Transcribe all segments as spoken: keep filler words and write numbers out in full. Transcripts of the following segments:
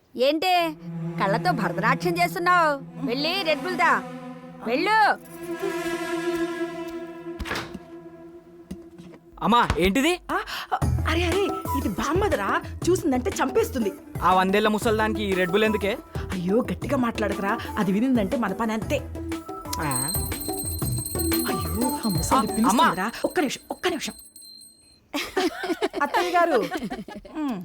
ఏంటే కళ్ళతో భరతనాట్యం చేస్తున్నావు? వెళ్ళి రెడ్ బుల్ దా, వెళ్ళు. అమ్మా ఏంటిది? ఆ, అరే అరే ఇది బామ్మదరా, చూసిందంటే చంపేస్తుంది. ఆ వందేళ్ల ముసల్దానికి ఈ రెడ్ బుల్ ఎందుకే? అయ్యో గట్టిగా మాట్లాడకరా, అది వినిందంటే మన పని అంతే. ఆ, అయ్యో ఆ ముసలి ఆ, పిలుస్తుందిరా. ఒక్క నిమిషం ఒక్క నిమిషం అత్తయ్య గారు. ఉమ్.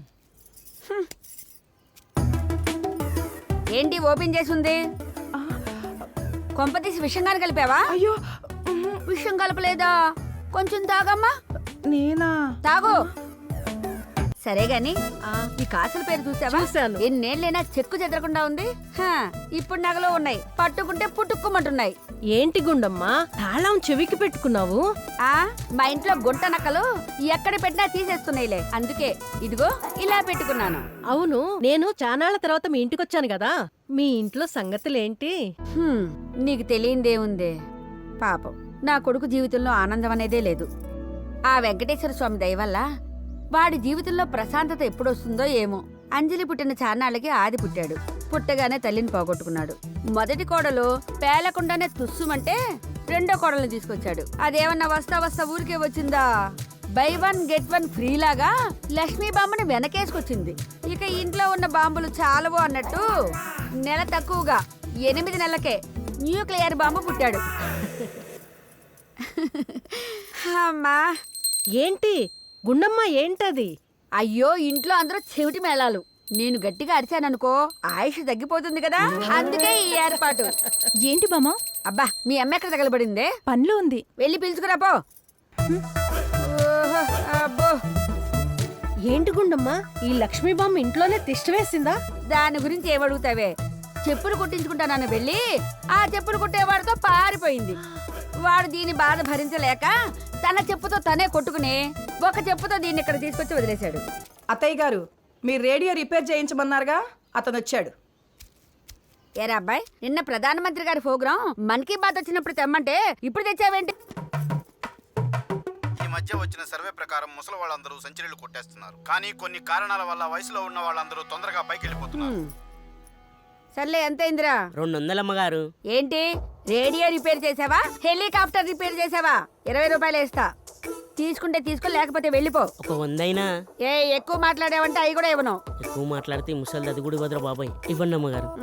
ఏంటి ఓపెన్ చేసి ఉంది? కొంపతీసి విషంగాని కలిపావా? అయ్యో ఉమ్, విషం కలపలేదా? కొంచెం తాగమ్మా. నేనా? తాగు. సరే గాని ఈ కాసుల పేరు చూసావా? చూశాను. ఎన్నేళ్ళైనా చెక్కు చెదరకుండా ఉంది. హా, ఇప్పుడు నగలో ఉన్నాయి, పట్టుకుంటే పుట్టుకోమంటున్నాయి. ఏంటి గుండమ్మా తాళం చెవికి పెట్టుకున్నావు? ఆ మా ఇంట్లో గుంట నక్కలు ఎక్కడ పెట్టినా తీసేస్తున్నాయిలే, అందుకే ఇదిగో ఇలా పెట్టుకున్నాను. అవును, నేను చానాళ్ల తర్వాత మీ ఇంటికి వచ్చాను కదా, మీ ఇంట్లో సంగతులేంటి? హ్మ్, నీకు తెలియందేముందే పాపం, నా కొడుకు జీవితంలో ఆనందం అనేదే లేదు. ఆ వెంకటేశ్వర స్వామి దయ వల్ల వాడి జీవితంలో ప్రశాంతత ఎప్పుడొస్తుందో ఏమో. అంజలి పుట్టిన చాన్నాళ్ళకి ఆది పుట్టాడు. పుట్టగానే తల్లిని పోగొట్టుకున్నాడు. మొదటి కోడలు పేలకుండానే తుస్సుమంటే రెండో కోడల్ని తీసుకొచ్చాడు. అదేమన్నా వస్తా వస్తా ఊరికే వచ్చిందా? Buy one get one free లాగా లక్ష్మీ బాంబుని వెనకేసుకొచ్చింది. ఇక ఇంట్లో ఉన్న బాంబులు చాలవు అన్నట్టు నెల తక్కువగా ఎనిమిది నెలలకే న్యూక్లియర్ బాంబు పుట్టాడు. అమ్మా ఏంటి గుండమ్మ ఏంటది? అయ్యో, ఇంట్లో అందరూ చెవిటి మేళాలు. నేను గట్టిగా అరిచాననుకో ఆయుష్ తగ్గిపోతుంది కదా, అందుకే ఈ ఏర్పాటు. ఏంటి బామ్మ? అబ్బా, మీ అమ్మ ఎక్కడ తగలబడిందే? పనిలో ఉంది. వెళ్ళి పిలుచుకురా పో. ఓహో, అబ్బో, ఏంటి గుండమ్మ ఈ లక్ష్మీ బామ్మ ఇంట్లోనే తిష్ట వేసిందా? దాని గురించి ఏమడుగుతావే? చెప్పులు కుట్టించుకుంటానని వెళ్ళి ఆ చెప్పులు కుట్టేవాడితో పారిపోయింది. వాడు దీని బాధ భరించలేక తన చెప్పుతో తనే కొట్టుకుని ఒక చెప్పుతో దీన్ని ఇక్కడ తీసుకొచ్చి వదిలేశాడు. అత్తయ్య గారు, మీరు రేడియో రిపేర్ చేయించమన్నారుగా, అతను వచ్చాడు. ఏరా అబ్బాయి, నిన్న ప్రధానమంత్రి గారి ప్రోగ్రాం మన్ కీ బాత్ వచ్చినప్పుడు తెమ్మంటే ఇప్పుడు తెచ్చావేంటి? ఈ మధ్య వచ్చిన సర్వే ప్రకారం ముసలి వాళ్ళందరూ సెంచరీలు కొట్టేస్తున్నారు. కానీ కొన్ని కారణాల వల్ల వయసులో ఉన్న వాళ్ళందరూ తొందరగా పైకి వెళ్ళిపోతున్నారు. హ్మ్. సర్లే, ఎంత అయిందిరా? రెండు వందలమ్మగారు. ఏంటి, రేడియో రిపేర్ చేసావా, హెలికాప్టర్ రిపేర్ చేసావా? ఇరవై రూపాయలు వేస్తా. తీసుకుంటే తీసుకో, లేకపోతే వెళ్ళిపో. ఒక వందైనా? ఏ ఎక్కువ మాట్లాడావంటే అవి కూడా ఇవ్వను. ఎక్కువ మాట్లాడితే ముసలి అది కూడా వదరా బాబాయ్. ఇవ్వండి అమ్మగారు.